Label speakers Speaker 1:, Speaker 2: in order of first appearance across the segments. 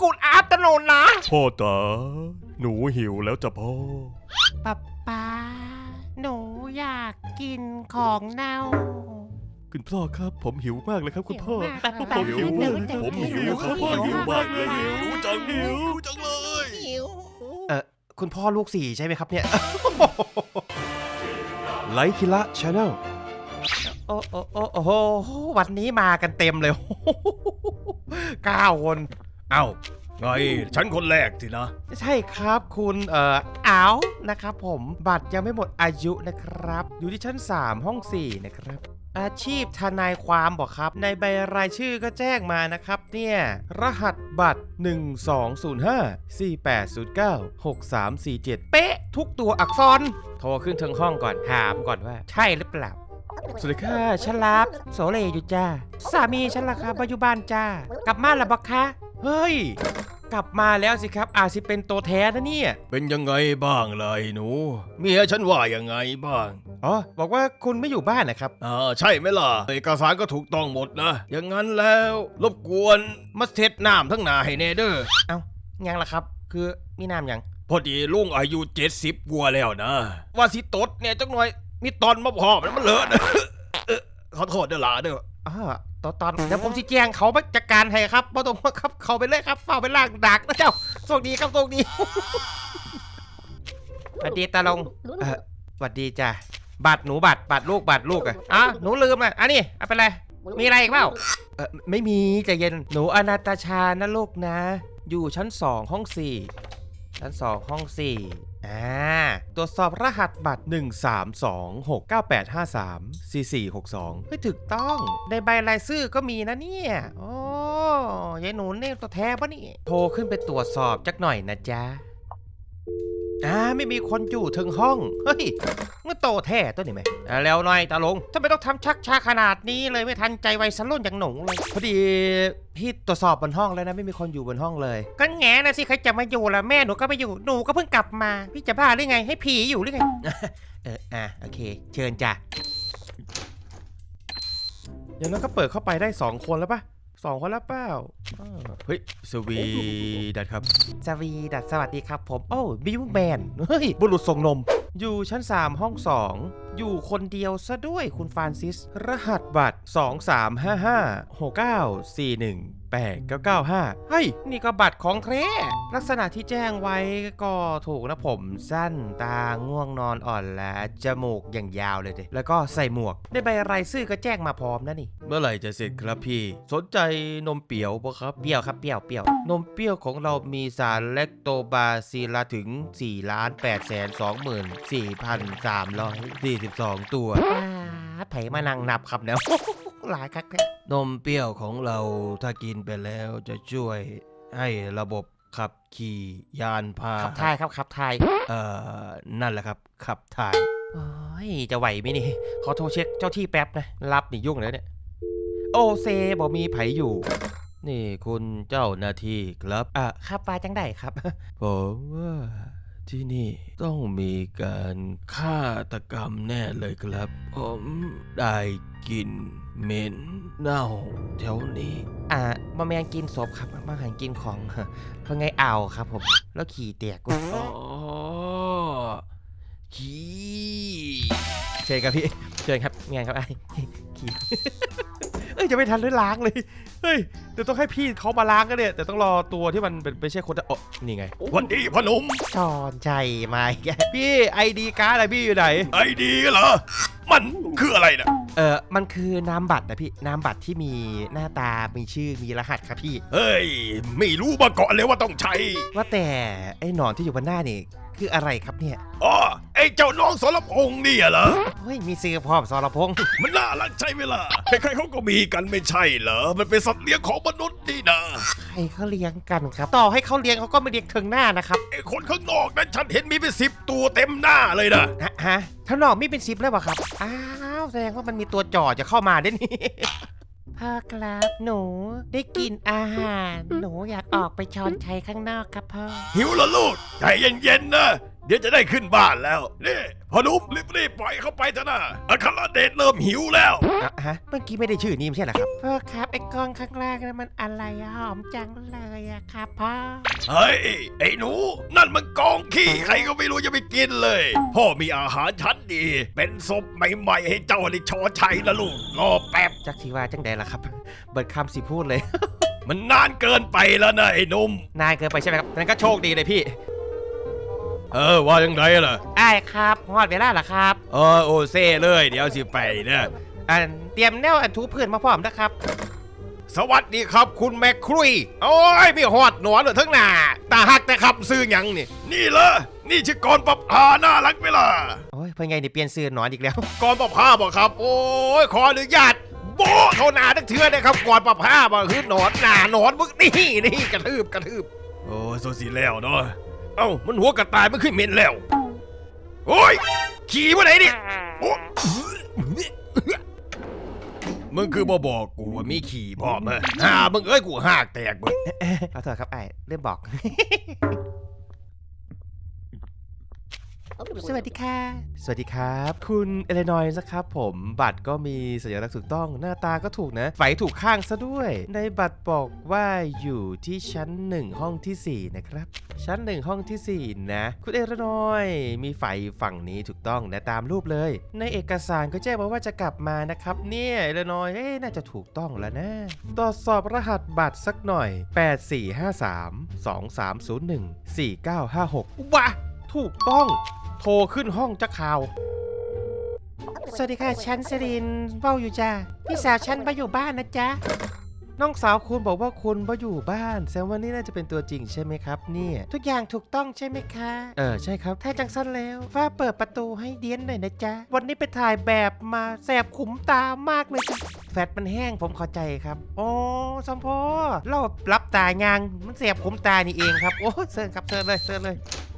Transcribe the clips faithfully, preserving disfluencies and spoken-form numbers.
Speaker 1: กูดอาร์ตโนนนะ
Speaker 2: พ่อตาหนูหิวแล้วจ้ะพ่อ
Speaker 1: ป๊าป๊าหนูอยากกินของเน่า
Speaker 2: คุณพ่อครับผมหิวมากเลยครับคุณพ่อ
Speaker 1: ผมหิวมาก
Speaker 2: ผมหิวครับพ่อหิวมากเลยหิวจังหิวจังเลย
Speaker 1: หิว
Speaker 3: เออคุณพ่อลูกสี่ใช่ไหมครับเนี่ย ไลคิระชาแนลโอ้โอ้โอ้โอ้โหวันนี้มากันเต็มเลย เก้าคนเอ้าไงฉันคนแรกสินะ ใช่ครับคุณเอ่ออ้าวนะครับผมบัตรยังไม่หมดอายุนะครับ อยู่ที่ชั้นสามห้องสี่นะครับ อาชีพทนายความบอกครับ ในใบรายชื่อก็แจ้งมานะครับเนี่ยรหัสบัตร หนึ่ง สอง ศูนย์ ห้า สี่ แปด ศูนย์ เก้า หก สาม สี่ เจ็ด เป๊ะทุกตัวอักษร โทรขึ้นถึงห้องก่อนถามก่อนว่า ใช่หรือเปล่า สวัสดีค่ะฉันรับโสเลอยู่จ้าสามีฉันล่ะครับปัจจุบันจ้ากลับมาแล้วบักคะเฮ้ยกลับมาแล้วสิครับอาจสิเป็นตัวแท้นะเนี่ยเป็นยังไงบ้างเลยหนูเมียฉันว่ายังไงบ้างอ๋อบอกว่าคุณไม่อยู่บ้านนะครับอ่าใช่ไหมล่ะเอกสารก็ถูกต้องหมดนะอย่างนั้นแล้วรบกวนมาเช็ดน้ำทั้งหนาให้เนเดอร์เอ้ายังล่ะครับคือมีน้ำยังพอดีลุงอายุเจ็ดสิบกว่าแล้วนะว่าสิตดเนี่ยจักหน่อยมีตอนมาพอมันมันเลอะนะ ขอโทษเด้อหลาเด้ออ่าตอนตอนเดี๋ยวผมสิแจ้งเขาไปจัดการให้ครับบ่ต้องมาครับเขาไปเลยครับเฝ้าไปล่างดักนะเจ้าโชคดีครับโชคดี สวัสดีตาลงเออสวัสดีจ้ะบัตรหนูบัตรบัตรลูกบัตรลูกอะอ่ะหนูลืมอ่ะอันนี้เอาไปเลยมีอะไรอีกเปล่าเออไม่มีใจเย็นหนูอนาตาชานะลูกนะ อยู่ชั้นสองห้องสี่ชั้นสองห้องสี่อ่าตรวจสอบรหัสบัตร หนึ่ง สาม สอง หก เก้า แปด ห้า สาม สี่ สี่ หก สองไม่ถูกต้องในใบรายชื่อก็มีนะเนี่ยโอ้ยายหนูเนี่ยตัวแท้ปะนี่โทรขึ้นไปตรวจสอบจักหน่อยนะจ๊ะอ่าไม่มีคนอยู่ถึงห้องเฮ้ยมันโตแท้ตัวนี้ไหมอ่าแล้วหน่อยตาลงทำไมต้องทำชักช้าขนาดนี้เลยไม่ทันใจวัยรุ่นอย่างหนูเลยพอดีพี่ตรวจสอบบนห้องแล้วนะไม่มีคนอยู่บนห้องเลยก็แง่นะสิใครจะมาอยู่ล่ะแม่หนูก็ไม่อยู่หนูก็เพิ่งกลับมาพี่จะบ้าหรือไงให้ผีอยู่หรือไง เอออ่ะโอเคเชิญจ้ะอย่างนั้นก็เปิดเข้าไปได้สองคนแล้วปะสองคนแล้วเปล่าเฮ้ยสวีดัตครับสวีดัตสวัสดีครับผมโอ้บิวแมนเฮ้ยบุรุษส่งนมอยู่ชั้นสามห้องสองอยู่คนเดียวซะด้วยคุณฟรานซิสรหัสบัตรสอง สาม ห้า ห้า หก เก้า สี่ หนึ่ง แปด เก้า เก้า ห้าเฮ้ยนี่ก็บัตรของแท้ลักษณะที่แจ้งไว้ก็ถูกนะผมสั้นตาง่วงนอนอ่อนและจมูกอย่างยาวเลยดิแล้วก็ใส่หมวกได้ใบรายชื่อก็แจ้งมาพร้อมนะนี่เมื่อไหร่จะเสร็จครับพี่สนใจนมเปรี้ยวปะครับเปรี้ยวครับเปรี้ยวเปรี้ยวนมเปรี้ยวของเรามีสารแลคโตบาซิลลาถึง สี่ล้านแปดแสนสองหมื่นสี่พันสามร้อยสี่สิบสอง ตัวไผมานั่งนับครับเนี่ย หลายคักแท้นมเปรี้ยวของเราถ้ากินไปแล้วจะช่วยให้ระบบขับขี่ยานพาหนะขับถ่ายครับขับถ่ายเอ่อนั่นแหละครับขับถ่ายโอ้ยจะไหวไหมนี่ขอโทรเช็คเจ้าที่แป๊บนะรับนี่ยุ่งเลยเนี่ยโอเซบอกมีไผอยู่นี่คุณเจ้าหน้าที่ครับอ่ะครับปลาจังได้ครับ ผมว่าที่นี่ต้องมีการฆาตกรรมแน่เลยครับผมได้กลิ่นเหม็นเน่าแถวนี้อ่ามาแมงกินศพครับมาหันกินของเพราะไงเอาครับผมแล้วขี่เตียกอ๋อขี่เชิญครับพี่เชิญครับเมียครับไอ้ขี่เอ้ยจะไม่ทันเลยล้างเลยเฮ้ยเดี๋ยวต้องให้พี่เขามาล้างกันเนี่ยแต่ต้องรอตัวที่มันเป็นไม่ใช่คนอ๋อนี่ไงวันดีพนมจอนใจมาแกพี่ไอดีการ์ดอะไรพี่อยู่ไหนไอดีเหรอมันคืออะไรนะเออมันคือนามบัตรนะพี่นามบัตรที่มีหน้าตามีชื่อมีรหัสครับพี่เฮ้ยไม่รู้มาก่อนเลยว่าต้องใช้ว่าแต่ไอ้หนอนที่อยู่บนหน้านี่คืออะไรครับเนี่ยอ๋อไอ้เจ้าน้องสรพงษ์นี่เหรอเฮ้ยมีซื้อพร้อมสรพงษ์มันน่ารักใช่ไหมล่ะใครๆเขาก็มีกันไม่ใช่เหรอมันเป็นสัตว์เลี้ยงของมนุษย์นี่นะใครเขาเลี้ยงกันครับต่อให้เขาเลี้ยงเขาก็ไม่เลี้ยงถึงหน้านะครับไอ้คนข้างนอกนั้นฉันเห็นมีเป็นสิบตัวเต็มหน้าเลยนะฮะฮะข้างนอกมีเป็นสิบแล้วป่ะครับอ้าวแสดงว่ามันมีตัวจ่อจะเข้ามาได้นี่พ่อครับหนูได้กินอาหารหนูอยากออกไปช้อนชัยข้างนอกครับพ่อหิวเหรอลูกใจเย็นๆนะ
Speaker 2: เดี๋ยวจะได้ขึ้นบ้านแล้วนี่พอหนุ่มรีบๆปล่อยเข้าไปเถอะนะอัครเดชเริ่มหิวแล้ว
Speaker 3: อ่ะฮะเมื่อกี้ไม่ได้ชื่อนี้ไม่ใช่เหรอครับ
Speaker 1: พ่อครับไอ้กองข้างล่างนั้นมันอะไรอะหอมจังเลยอะครับพ่อ
Speaker 2: เฮ้ยไอ้หนูนั่นมันกองขี้ใครก็ไม่รู้จะไปกินเลยพ่อมีอาหารชั้นดี เป็นศพใหม่ๆให้เจ้าในชอชัยนะลูกรอแป๊บ
Speaker 3: จักทีว่าจังใดล่ะครับ เบิดคำสิพูดเลย
Speaker 2: มันนานเกินไปแล้วนะไอ้หนุ่ม
Speaker 3: นายเกินไปใช่ไหมครับนั้นก็โชคดีเลยพี่
Speaker 2: เออว่ายังไงล่ะ
Speaker 1: ได้ครับฮอดเวลาละครับ
Speaker 2: เออโอเซ่เลยเดี๋ยวสิไปเนี่ย
Speaker 1: อันเตรียมแนวอันทูพื้นมาพร้อมนะครับ
Speaker 2: สวัสดีครับคุณแมคครุยโอ้ยพี่หอดหนอนเลยทั้งหน้าตาหักแต่ขับซื้อหยังนี่นี่เหรอนี่ชื่อกรปภาน่ารักไหมล่ะ
Speaker 3: โอ้ยเพื่อนไงเนี่ยเปลี่ยนซื้อหนอนอีกแล้ว
Speaker 2: กรประภาบอกครับ โอ้ยขออนุญาตโบะเขาหนาทั้งเทือนะครับกรประภาบอกคือหนอนหนาหนอนมึกนี่นี่กระทืบกระทืบโอ้ยโซสีแล้วเนาะเอ้ามันหัวกระต่ายมันขึ้นเหม็นแล้วโอ้ยขี่มาไหนนี่โอ้มึงคือบ่บอกกูว่ามีขี่พร้อมฮะฮ่ามึงเอ้ยกูหักแตกเบิด
Speaker 3: ขอโทษครับไอ้เริ่มบอก
Speaker 1: สวัสดีค่ะ
Speaker 3: สวัสดีครับ คุณเอเลนอยส์นะครับผมบัตรก็มีสัญลักษณ์ถูกต้องหน้าตาก็ถูกนะไฝถูกข้างซะด้วย ในบัตรบอกว่าอยู่ที่ชั้นหนึ่งห้องที่สี่นะครับชั้นหนึ่งห้องที่สี่นะคุณเอเลนอยส์มีไฝฝั่งนี้ถูกต้องนะตามรูปเลย ในเอกสารก็แจ้งมาว่าจะกลับมานะครับเนี่ยเอเลนอยส์เอ๊ะน่าจะถูกต้องแล้วนะตรวจสอบรหัสบัตรสักหน่อยแปด สี่ ห้า สาม สอง สาม ศูนย์ หนึ่ง สี่ เก้า ห้า หกว้าถูกต้องโทรขึ้นห้องจะข่าว
Speaker 1: สวัสดีค่ะฉันสิรินเฝ้าอยู่จ้าพี่สาวฉันไปอยู่บ้านนะจ๊ะ
Speaker 3: น้องสาวคุณบอกว่าคุณมาอยู่บ้านแสดงว่านี่น่าจะเป็นตัวจริงใช่ไหมครับเนี่ย
Speaker 1: ทุกอย่างถูกต้องใช่ไหมคะ
Speaker 3: เออใช่ครับ
Speaker 1: ถ้าจังสั้นแล้วฟ้าเปิดประตูให้เดียนหน่อยนะจ๊ะ วันนี้ไปถ่ายแบบมาแสบขุมตามากเลยจ้ะแฟตมันแห้งผมเข้าใจครับโอ้สมพอเรารับตายางมันแสบขุมตานี่เองครับโอ้เซิร์นครับเซิร์นเลยเซิร์นเลย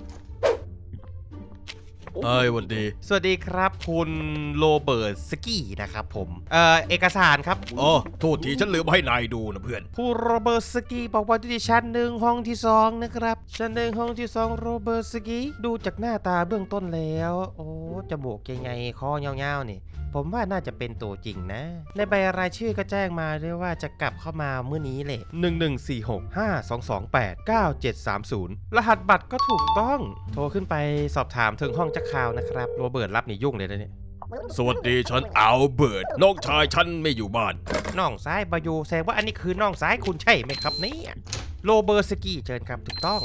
Speaker 2: เอ้ยวันดี
Speaker 3: สวัสดีครับคุณโรเบิร์ตสกี้นะครับผมเอ่อเอกสารครับ
Speaker 2: โอ้โทษทีฉันลืมให้นายดูนะเพื่อน
Speaker 3: ผู้โรเบิร์ตสกี้บอกว่าอยู่ที่ชั้นหนึ่งห้องที่สองนะครับชั้นหนึ่งห้องที่สองโรเบิร์ตสกี้ดูจากหน้าตาเบื้องต้นแล้ว โอ้จมูกยังไงคอเงาๆนี่ผมว่าน่าจะเป็นตัวจริงนะ ในใบรายชื่อก็แจ้งมาด้วยว่าจะกลับเข้ามาเมื่อนี้แหละหนึ่ง หนึ่ง สี่ หก ห้า สอง สอง แปด เก้า เจ็ด สาม ศูนย์รหัสบัตรก็ถูกต้องโทรขึ้นไปสอบถามถึงห้องจักข่าวนะครับโรเบิร์ตรับนี่ยุ่งเลยนะเนี่ย
Speaker 2: สวัสดีฉันอัลเบิร์ตน้องชายฉันไม่อยู่บ้าน
Speaker 3: น้องซ้ายบายูแสดงว่าอันนี้คือน้องซ้ายคุณใช่ไหมครับเนี่ยโรเบิร์ตสกี้เชิญครับถูกต้อง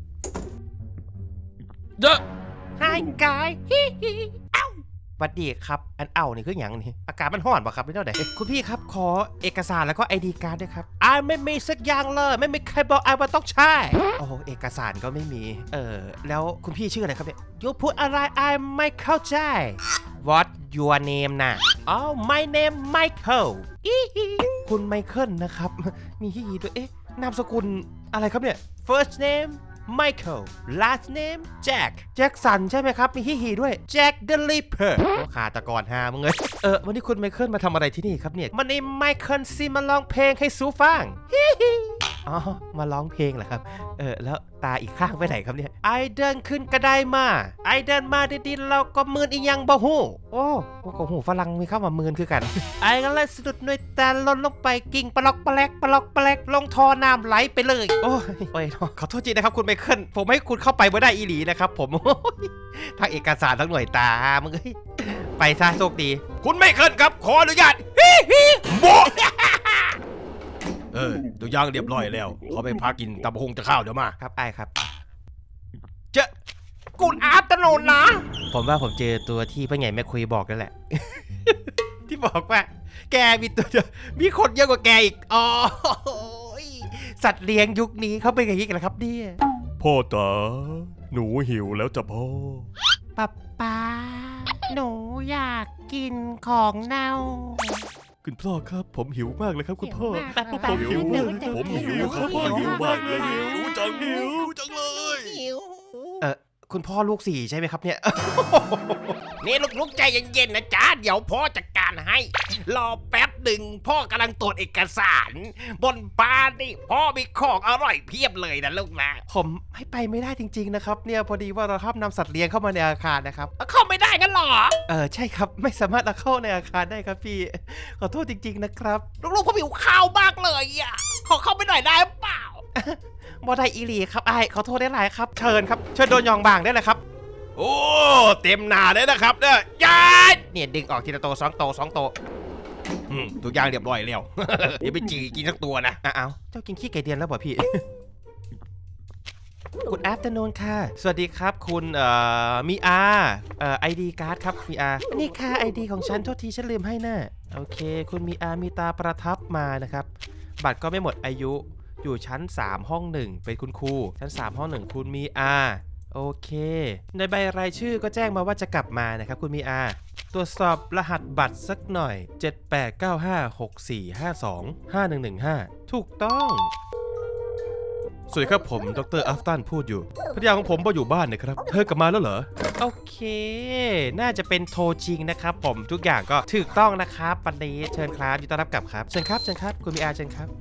Speaker 2: เยอะ
Speaker 1: ไฮกายฮิฮิเอ้า
Speaker 3: สวัสดีครับอันเอ้านี่คืออย่างนี่อากาศมันห้อนป่ะครับพี่เท่าไหร่คุณพี่ครับขอเอกสารแล้วก็ไอดีการ์ดด้วยครับไอไม่มีสักอย่างเลยไม่มีใครบอกไอว่าต้องใช่โอ้โหเอกสารก็ไม่มีเออแล้วคุณพี่ชื่ออะไรครับเนี่ย
Speaker 1: ยูพูดอะไรไอไม่เข้าใจ
Speaker 3: What your name นะ
Speaker 1: อ๋อ my name Michael อีฮิ
Speaker 3: คุณไมเคิลนะครับมีฮีฮีด้วยเอ๊ะนามสกุลอะไรครับเนี่ย
Speaker 1: first name Michael last name Jack
Speaker 3: แจ็คสันใช่ไหมครับมีฮีฮีด้วย
Speaker 1: Jack the Ripper
Speaker 3: โอ้ขาตะกอนหามึงเลยเออวันนี้คุณไมเคิลมาทำอะไรที่นี่ครับเนี่ย
Speaker 1: มันนี้ Michael ซิมาร้องเพลงให้ซูฟังฮิฮิ
Speaker 3: อ๋อมาร้องเพลงเหรอครับเออแล้วตาอีกข้างไปไหนครับเนี่ย
Speaker 1: ไอเดินขึ้นกระไดมา ไอเดินมาดีๆเราก็มืนอีหยังบ่ฮู้
Speaker 3: โอ้โหกับหูฝรั่งมีเข้ามามืนคือกัน
Speaker 1: ไอก็เลยสะดุดหน่วยตาหล่นลงไปกิ่งปลอกปลกปลอกปลกลงท่อน้ำไหลไปเลย
Speaker 3: โอ้ยโอ้ยขอโทษจริงนะครับคุณไมเคิลผมให้คุณเข้าไปไม่ได้อีหลีนะครับผม โอ้ยทั้งเอกสารทั้งหน่วยตามึงเอ้ยไปซะโชคดี
Speaker 2: คุณไม่เคินครับขออนุญาตฮิฮิโบะเออตัวอย่างเรียบร้อยแล้วเขาไปพักกินตำบักหงจะข้าวเดี๋ยวมา
Speaker 3: ครับไอ้ครับ
Speaker 2: เจ๊ะ
Speaker 1: กูอาตโนนะ
Speaker 3: ผมว่าผมเจอตัวที่พ่อใหญ่แม่คุยบอกนั่นแหละ ที่บอกว่า แกมีตัวเดียวมีคนเยอะกว่าแกอีกอ๋อสัตว์เลี้ยงยุคนี้เขาเป็นอย่างนี้กันเหรอครับเนี่ย
Speaker 2: พ่อตาหนูหิวแล้วจ้ะพ่อ
Speaker 1: ป๊าป๊าหนูอยากกินของเน่า
Speaker 2: คุณพ่อครับผมหิวมากเลยครับคุณพ่อ
Speaker 1: ป๊าป๊า
Speaker 2: ผมหิว
Speaker 1: เดี๋ยว
Speaker 2: มาก
Speaker 1: เดี๋ยว
Speaker 2: ผมหิวครับพ่อหิวมากเลยหิวจังหิวจังเลย
Speaker 1: หิว
Speaker 3: เออคุณพ่อลูกสี่ใช่ไหมครับเนี่ย
Speaker 2: นี่ลูกๆใจเย็นๆนะจ๊ะเดี๋ยวพ่อจัดการให้ รอแป๊บหนึ่งพ่อกำลังตรวจเอกสาร บนบ้านนี่พ่อมีของอร่อยเพียบเลยนะลูกนะ
Speaker 3: ผมให้ไปไม่ได้จริงๆนะครับเนี่ยพอดีว่าเราห้ามนำสัตว์เลี้ยงเข้ามาในอาคารนะครับ
Speaker 2: เข้าไม่ได้งั้นเหรอ
Speaker 3: เออใช่ครับไม่สามารถเอาเข้าในอาคารได้ครับพี่ ขอโทษจริงๆนะครับ
Speaker 2: ลูกๆผมหิวข้าวมากเลยอ่ะขอเข้าไปหน่อยได้เปล่า
Speaker 3: บอได้อีหลีครับไอ้ายขอโทษได้หลายครับเชิญครับเชิญโดนยองบางได้เลยครับ
Speaker 2: โอ้เต็มหน้าเลยนะครับเนี่ยยาย
Speaker 3: เนี่ยดึงออกทีละโตสองโตสองโต
Speaker 2: อืมทุกอย่างเรียบร้อยแล้ว อย่าไปจีกินสักตัวนะ
Speaker 3: อ้าวเจ้ากินขี้ไก่เดือนแล้วบ่พี่ คุณแอฟเตอร์นูนค่ะ สวัสดีครับคุณเอ่อมีอาเอ่อไอดีการ์ดครับมีอานี่ค่ะไอดีของฉันโทษทีฉันลืมให้น่ะโอเค คุณมีอามีตาประทับมานะครับบัตรก็ไม่หมดอายุอยู่ชั้นสามห้องหนึ่งเป็นคุณครูชั้นสามห้องหนึ่งคุณมีอาโอเคในใบรายชื่อก็แจ้งมาว่าจะกลับมานะครับคุณมีอาตรวจสอบรหัสบัตรสักหน่อยเจ็ดแปดเก้าห้าหกสี่ห้าสองห้าหนึ่งหนึ่งห้าถูกต้องสวัสดีครับผมดรอัฟตันพูดอยู่ภรรยาของผมมาอยู่บ้านนะครับเธอกลับมาแล้วเหรอโอเคน่าจะเป็นโทรจริงนะครับผมทุกอย่างก็ถูกต้องนะครับวันนี้เชิญครับยินดีต้อนรับกลับครับเชิญครับเชิญครับคุณมีอาเชิญครับ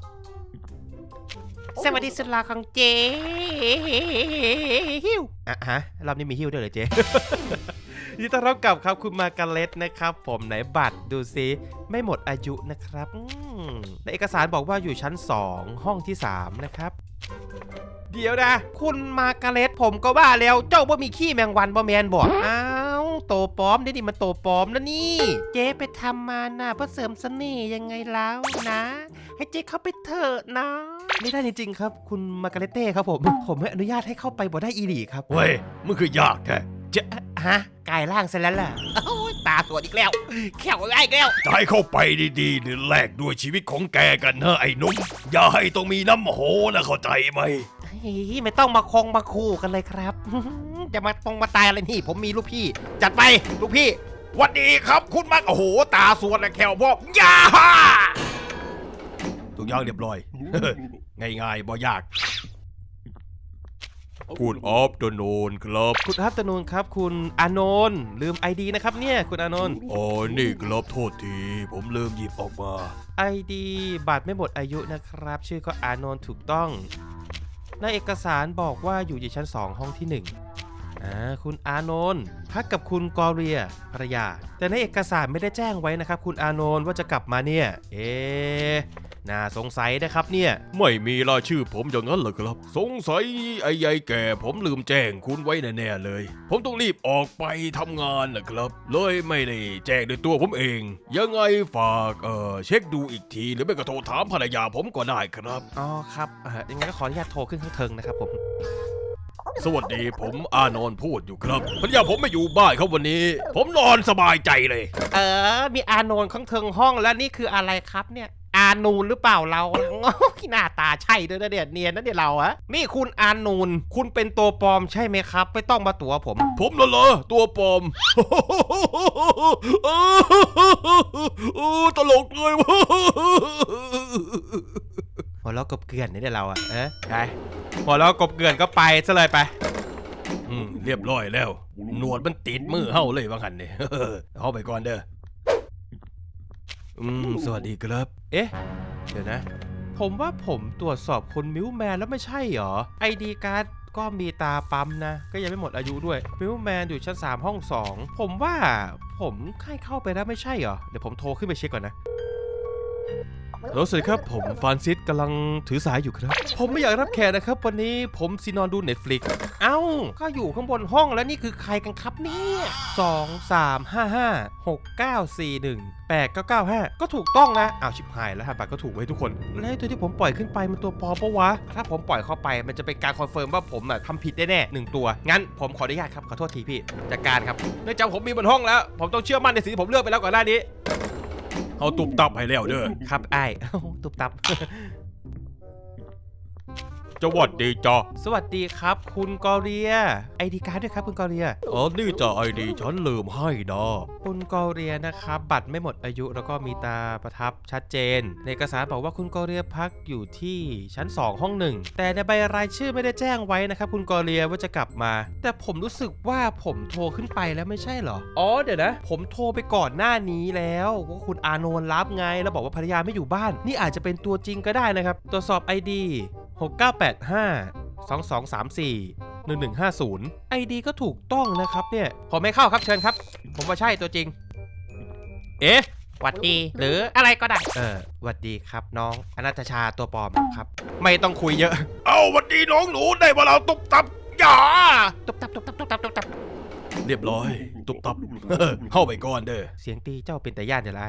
Speaker 3: สวัสดีสุดหล่อของเจ๊ฮิวอ่ะฮะรอบนี้มีฮิวด้วยเหรอเจ๊ ยินดีต้อนรับกลับครับคุณมาการ์เล็ตนะครับผมไหนบัตรดูซิไม่หมดอายุนะครับอืมในเอกสารบอกว่าอยู่ชั้นสองห้องที่สามนะครับเดี๋ยวนะคุณมาการ์เล็ตผมก็ว่าแล้วเจ้าบ่มีขี้แมงวันบ่แมนบอกอ้าวโตปลอมนี่นี่มันโตปลอมนะนี่เจ๊ไปทำมาน่ะเพื่อเสริมเสน่ห์ยังไงแล้วนะ ให้เจ๊เข้าไปเถอะนะไม่ได้จริงๆครับคุณมาการ์เล็ตเต้ครับผมผมไม่อนุญาตให้เข้าไปบ่ได้อีหลีครับ
Speaker 2: เว้ยมันคือยากแท้
Speaker 3: จะฮะกายร่างเสร็จแล้วล่ะ
Speaker 2: โอ้ยตาสวดอีกแล้วแขวไอ้แก้วจะให้เข้าไปดีๆหรือแลกด้วยชีวิตของแกกันเนอะไอ้หนุ่มอย่าให้ต้องมีน้ำโหนะเข้าใจไหม
Speaker 3: เฮ้ยไม่ต้องมาคงมาคู่กันเลยครับ จะมาตรงมาตายอะไรนี่ผมมีลูกพี่
Speaker 2: จัดไปลูกพี่หวัดดีครับคุณมักโอ้โหตาสวดและแขวพ่อยาทุกอย่างเรียบร้อย ง่ายๆบ่ยากคุณออฟเดอะโนนครับ
Speaker 3: คุณอัพตนูนครับ คุณอานนท์ลืม ไอ ดี นะครับเนี่ยคุณอานนท์
Speaker 2: อ๋อนี่ครับโทษทีผมลืมหยิบออกมา
Speaker 3: ไอ ดี บัตรไม่หมดอายุนะครับ ชื่อก็อานนท์ถูกต้องในเอกสารบอกว่าอยู่ที่ชั้นสองห้องที่หนึ่งอ่าคุณอานนท์พักกับคุณกอเรียภรรยาแต่ในเอกสารไม่ได้แจ้งไว้นะครับคุณอานนท์ว่าจะกลับมาเนี่ยเอ๊ะน่าสงสัยนะครับเนี่ย
Speaker 2: ไม่มีรายชื่อผมอย่างนั้นเหรอครับ สงสัยไอ้ยายแก่ผมลืมแจ้งคุณไว้แน่ๆเลย ผมต้องรีบออกไปทำงานนะครับ เลยไม่ได้แจ้งด้วยตัวผมเอง ยังไงฝากเอ่อเช็คดูอีกทีหรือไม่ก็โทรถามภรรยาผมก็ได้ครับ
Speaker 3: อ๋อครับเออยังไงก็ขออนุญาตโทรขึ้นข้างเทิงนะครับผม
Speaker 2: สวัสดีผมอานนท์พูดอยู่ครับภรรยาผมไม่อยู่บ้านครับวันนี้ ผมนอนสบายใจเลย
Speaker 3: เออ มีอานนท์ข้างเทิงห้องแล้วนี่คืออะไรครับเนี่ย อานูนหรือเปล่าเราโอ้ยหน้าตาใช่ด้วยนะเดียเนียนนะเดียเราอะนี่คุณอานูนคุณเป็นตัวปลอมใช่ไหมครับ ไม่ต้องมาตัวผม
Speaker 2: ผมน่ะเหรอตัวปลอม โอ้ตลกเลยวะ
Speaker 3: หัวเราะกบเกลื่อนนี่เดียเราอะเอ๊ะไปหัวเราะกบเกลื่อนก็ไปซะเลยไป
Speaker 2: อืมเรียบร้อยแล้ว หนวดมันติดมือเฮาเลยว่างันเนี่ย เอาไปก่อนเด้อ
Speaker 3: อืมสวัสดีครับ เอ๊ะ เดี๋ยวนะ ผมว่าผมตรวจสอบคนมิวแมนแล้วไม่ใช่หรอ ไอดีการ์ดก็มีตาปั๊มนะ ก็ยังไม่หมดอายุด้วย มิวแมนอยู่ชั้นสามห้องสองผมว่าผมใกล้เข้าไปแล้วไม่ใช่หรอ เดี๋ยวผมโทรขึ้นไปเช็คก่อนนะ แล้วสวัสดีครับผมฟรานซิสกำลังถือสายอยู่ครับ ผมไม่อยากรับแขกนะครับ วันนี้ผมซีนอนดู Netflix เอ้า ก็อยู่ข้างบนห้องแล้วนี่คือใครกันครับเนี่ยสองสามห้าห้าหกเก้าสี่หนึ่งแปดเก้าเก้าห้าก็ถูกต้องนะอ้าวชิบหายแล้วฮะบัตรก็ถูกไว้ทุกคน แล้วตัวที่ผมปล่อยขึ้นไปมันตัวปลอมปะวะ ถ้าผมปล่อยเข้าไปมันจะเป็นการคอนเฟิร์มว่าผมน่ะทำผิดแน่ๆหนึ่งตัว งั้นผมขออนุญาตครับขอโทษทีพี่จัดการครับเนื่องจากผมมีบนห้องแล้ว ผมต้องเชื่อมั่นในสิ่งที่ผมเลือกไปแล้วก่อนหน้านี้
Speaker 2: เอาตุบตับให้แล้วเด้อ
Speaker 3: ครับไอ้าย ตุบตับ
Speaker 2: สวัสดีจ้ะ
Speaker 3: สวัสดีครับคุณกอเรียไอดีการ์ดด้วยครับคุณกอเรีย
Speaker 2: อ๋อนี่จะไอดีฉันลืมให้นะ
Speaker 3: คุณกอเรียนะครับบัตรไม่หมดอายุแล้วก็มีตาประทับชัดเจนในเอกสารบอกว่าคุณกอเรียพักอยู่ที่ชั้นสองห้องหนึ่งแต่ในใบรายชื่อไม่ได้แจ้งไว้นะครับคุณกอเรียว่าจะกลับมาแต่ผมรู้สึกว่าผมโทรขึ้นไปแล้วไม่ใช่เหรออ๋อเดี๋ยวนะผมโทรไปก่อนหน้านี้แล้วว่าคุณอานนท์รับไงแล้วบอกว่าภรรยาไม่อยู่บ้านนี่อาจจะเป็นตัวจริงก็ได้นะครับตรวจสอบ ไอ ดี หก เก้า แปด ห้า สอง สอง สาม สี่ หนึ่ง หนึ่ง ห้า ศูนย์ ไอ ดี ก็ถูกต้องนะครับเนี่ยผมไม่เข้าครับเชิญครับผมว่าใช่ตัวจริงเอ๊ะหวัดดีหรืออะไรก็ได้เออหวัดดีครับน้องอนัตชาตัวปลอมครับไม่ต้องคุยเยอะ
Speaker 2: เอาวันดีน้องหนูได้มาเราตุบตับอย่า
Speaker 1: ตุบตับตุบตับตุบตับตุบตับ
Speaker 2: เรียบร้อย ตุบตับ เข้าไปก่อนเด้อ
Speaker 3: เสียงตีเจ้าเป็นแต่ย่านจะไร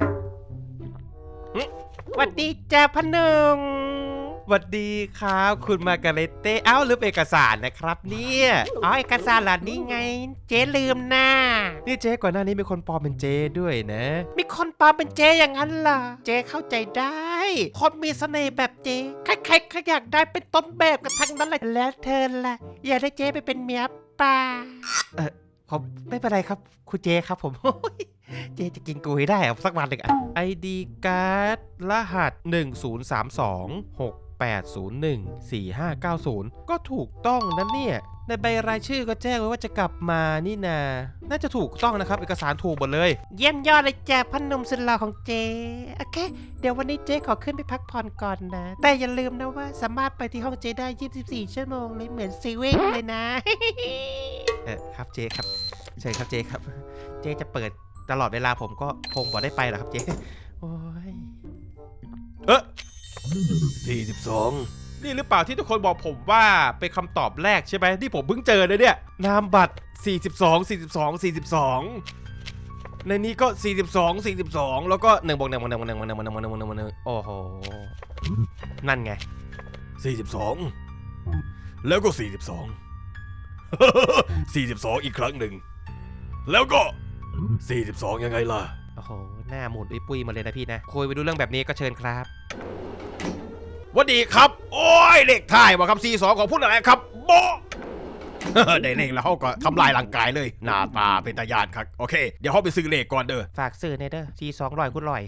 Speaker 1: หวัดดีจ้าพนม
Speaker 3: หวัดดีครับคุณมาการเรตเต้เอ้าลืมเอกสารนะครับเนี่ย
Speaker 1: อ๋อเอกสารหลานนี่ไง เจ๊ลืมหน้า
Speaker 3: นี่เจ๊ก่อนหน้านี้มีคนปลอมเป็นเจ๊ด้วยนะ
Speaker 1: มีคนปลอมเป็นเจ๊อย่างนั้นล่ะ เจ๊เข้าใจได้ คนมีเสน่ห์แบบเจ๊ใครๆก็อยากได้เป็นต้นแบบกันทั้งนั้นเลยแล้วเธอล่ะ อยากได้เจ๊ไปเป็นเมียป่า
Speaker 3: เออผมไม่เป็นไรครับคุณเจ๊ครับผม เจ๊จะกินกูให้ได้อะสักวันหนึ่งอะ ไอ ดี การ์ดรหัส หนึ่ง ศูนย์ สาม สอง หก แปด ศูนย์ หนึ่ง สี่ ห้า เก้า ศูนย์ ก็ถูกต้องนะเนี่ยในใบรายชื่อก็แจ้งไว้ว่าจะกลับมานี่นาน่าจะถูกต้องนะครับเอกสารถูกหมดเลย
Speaker 1: เยี่ยมยอดเลยจ้าพนมสุดหล่อของเจ๊โอเค เดี๋ยววันนี้เจ๊ขอขึ้นไปพักผ่อนก่อนนะ แต่อย่าลืมนะว่าสามารถไปที่ห้องเจ๊ได้ยี่สิบสี่ชั่วโมงเลยเหมือนซีเว่นเลยนะ
Speaker 3: เออครับเจ๊ครับเชิญครับเจ๊ครับ เจ๊จะเปิดตลอดเวลาผมก็คงบอกได้ไปหรอกครับเจ๊โอ้ยเออ
Speaker 2: สี่สิบสอง
Speaker 3: นี่หรือเปล่าที่ทุกคนบอกผมว่าเป็นคำตอบแรกใช่ไหมที่ผมเพิ่งเจอเลยเนี่ยนามบัตรสี่สิบสอง สี่สิบสอง สี่สิบสองในนี้ก็สี่สิบสอง สี่สิบสองแล้วก็หนึ่งบวกหนึ่งบวกหนึ่งบวกหนึ่งบวกหนึ่งบวกหนึ่งบวกหนึ่งบวกหนึ่งบวกหนึ่งโอ้โหนั่นไง
Speaker 2: สี่สิบสอง แล้วก็สี่สิบสอง สี่สิบสองอีกครั้งหนึ่ง แล้วก็สี่สิบสองยังไงล่ะ
Speaker 3: โอ้โหหน้าหมุนปุ้ยๆมาเลยนะพี่นะคุยไปดูเรื่องแบบนี้ก็เชิญครับ
Speaker 2: วันดีครับ โอ้ยเลขท้ายว่าคำซีสองของพูดอะไรครับโบะ ได้เลขแล้วเขาก็ทำลายร่างกายเลย หน้าตาเป็นตาญาณครับ โอเค เดี๋ยวเขาไปซื้อเลขก่อนเด้อ
Speaker 1: ฝากซื้อในเด้อทีสองร้อยคุณลอย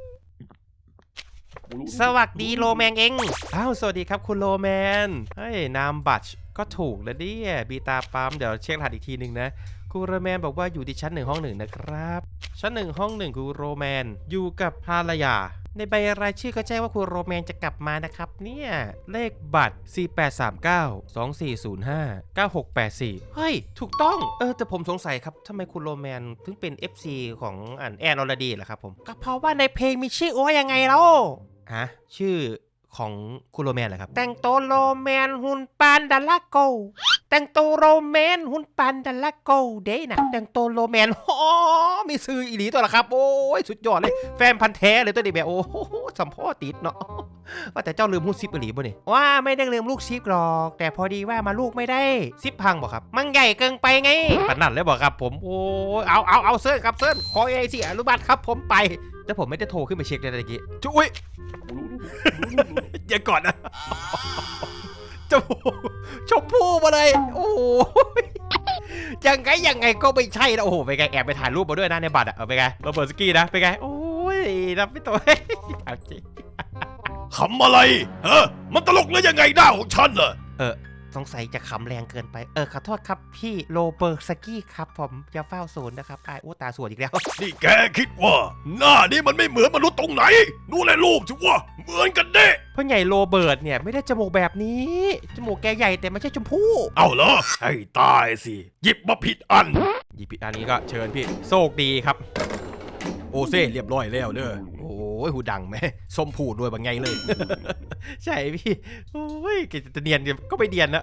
Speaker 1: สวัสดีโลแมงเอง
Speaker 3: อ้าวสวัสดีครับคุณโลแมนเฮ้ยนามบัตรก็ถูกแล้วเนี่ยบีตาปั๊มเดี๋ยวเช็ครหัสอีกทีหนึ่งนะคุณโรแมนบอกว่าอยู่ที่ชั้นหนึ่งห้องหนึ่งนะครับชั้นหนึ่งห้องหนึ่งคุณโรแมนอยู่กับภรรยาในใบรายชื่อก็แจ้งว่าคุณโรแมนจะกลับมานะครับเนี่ยเลขบัตร สี่ แปด สาม เก้า สอง สี่ ศูนย์ ห้า เก้า หก แปด สี่ เฮ้ยถูกต้องเออแต่ผมสงสัยครับทำไมคุณโรแมนถึงเป็น เอฟ ซี ของอันแอนอรดีเหรอครับผม
Speaker 1: ก็เพราะว่าในเพลงมีชื่อโอ้ยังไงแล้ว
Speaker 3: ฮะชื่อของคุณโรแมนเหรอครับ
Speaker 1: แต่งตัวโรแมนหุ่นปานดัลลาโก แต่งตัวโรแมนหุ่นปานดัลลาโกเด้นะแต่งตัวโรแมนอ๋อมีซื้ออีหลีตัวละครับโอ้ยสุดยอดเลยแฟนพันธ์แท้เลยตัวนี้แบบโอ้โหสัมพ่อติดเนาะว่าแต่เจ้าลืมหุ้นซิปอีหลีบ่เนี่ยว่าไม่ได้ลืมลูกซิปหรอกแต่พอดีว่ามาลูกไม่ได้ซิปพังบอกครับมันใหญ่เกินไปไงปานนั่นเลยบอกครับผมโอ้ยเอาเอาเอาเซิร์นครับเซิร์นขอไอซีอนุบัติครับผมไปแต่ผมไม่ได้โทรขึ้นไปเช็คเลยตะกี้จุ้ย
Speaker 2: อย่าก่อนนะ
Speaker 3: จมูกชมพู่มาเลยโอ้ยยังไงยังไงก็ไม่ใช่นะโอ้โหไปไงแอบไปถ่ายรูปมาด้วยนะในบัตรอะเอาไปไงโรเบิร์ตสกี้นะไปไงโอ้ยรับไม่ตัวถามจริง
Speaker 2: ขำอะไรฮะมันตลกหรือยังไงหน้าของฉันเหรอ
Speaker 3: เออสงสัยจะขำแรงเกินไปเออขอโทษครับพี่โรเบิร์ตสกี้ครับผมอย่าเฝ้าศูนย์นะครับไอ้โอ้ตาสวยอีกแล้ว
Speaker 2: นี่แกคิดว่า หน้านี้มันไม่เหมือนมนุษย์ตรงไหน ดูแลรูปสิวะเหมือนกันเด้
Speaker 3: พ่อใหญ่โรเบิร์ตเนี่ยไม่ได้จมูกแบบนี้จมูกแกใหญ่แต่ไม่ใช่ชมพู่
Speaker 2: เอาเหรอให้ตายสิ หยิบมาผิดอัน
Speaker 3: หยิบผิดอันนี้ก็เชิญพี่โชคดีครับ
Speaker 2: โอเซ่เรียบร้อยแล้วเด้อ
Speaker 3: โอ้ยหูดังไหมส้มผูดด้วยบางไงเลย ใช่พี่โอ้ยแกจะเนียนก็ไม่เนียนนะ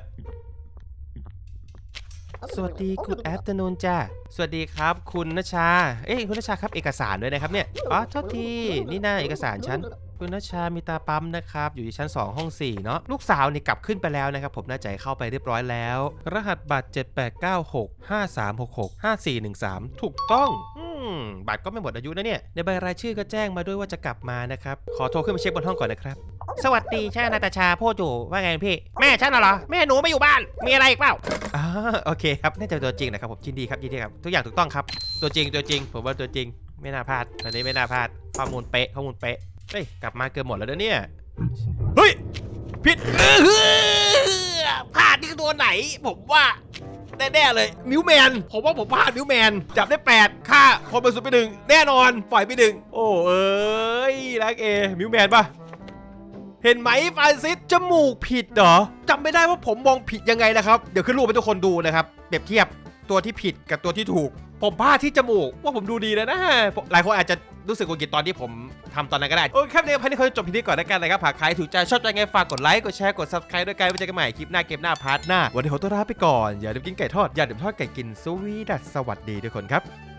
Speaker 3: สวัสดีคุณแอฟเตอร์นูนจ้าสวัสดีครับคุณนชาเอ้ยคุณนชาครับเอกสารด้วยนะครับเนี่ยอ๋อโทษทีนี่น่าเอกสารฉันคุณนชามีตาปั๊มนะครับอยู่ที่ชั้นสองห้องสี่เนาะลูกสาวนี่กลับขึ้นไปแล้วนะครับผมน่าจะเข้าไปเรียบร้อยแล้วรหัสบัตรเจ็ด แปด เก้า หก ห้า สาม หก หก ห้า สี่ หนึ่ง สามถูกต้องอืมมบัตรก็ไม่หมดอายุนะเนี่ยในใบรายชื่อก็แจ้งมาด้วยว่าจะกลับมานะครับขอโทรขึ้นมาเช็คบนห้องก่อนนะครับ
Speaker 1: สวัสดีใช่นาตาชาพูดอยู่ว่าไงพี่ แม่ฉันน่ะเหรอ แม่หนูไม่อยู่บ้าน มีอะไรอีกเปล่า
Speaker 3: อ่าโอเคครับน่าจะเป็นตัวจริงนะครับผมยินดีครับยินดีครับทุกอย่างถูกต้องครับตัวจริงตัวจริงผมว่าตัวจริงไม่น่าพลาดอันนี้ไม่น่าพลาดข้อมูลเป๊ะข้อมูลเป๊ะเฮ้ยกลับมาเกือบหมดแล้วเด้อเนี่ย
Speaker 2: เฮ้ยผิด
Speaker 1: พลาดที่ตัวไหน ผมว่าแน่ๆเลย
Speaker 2: มิวแมนผมว่าผมพลาดมิวแมนจับได้แปดค่าคนบริสุทธิ์ไปหนึ่งแน่นอนปล่อยไปหนึ่ง
Speaker 3: โอ้เอ้ยรักเอมิวแมนปะเห็นไหมฟรานซิสจมูกผิดเหรอจำไม่ได้ว่าผมมองผิดยังไงนะครับเดี๋ยวขึ้นรูปให้ทุกคนดูนะครับเปรียบเทียบตัวที่ผิดกับตัวที่ถูกผมพลาดที่จมูกว่าผมดูดีแล้วนะหลายคนอาจจะรู้สึกโกรธตอนที่ผมทำตอนนั้นก็ได้โอเคครับเดี๋ยวพันนี้เขาจะจบพีนี้ก่อนแล้วกันนะครับหากใครถูกใจชอบใจไงฝากกดไลค์กดแชร์กด ซับสไครบ์ ด้วยกันไว้เจอกันใหม่คลิปหน้าเกมหน้าพาร์ทหน้าวันนี้ขอตัวลาไปก่อนอย่าลืมกินไก่ทอดอย่าลืมทอดไก่กินสวีดัสสวัสดีทุกคนครับ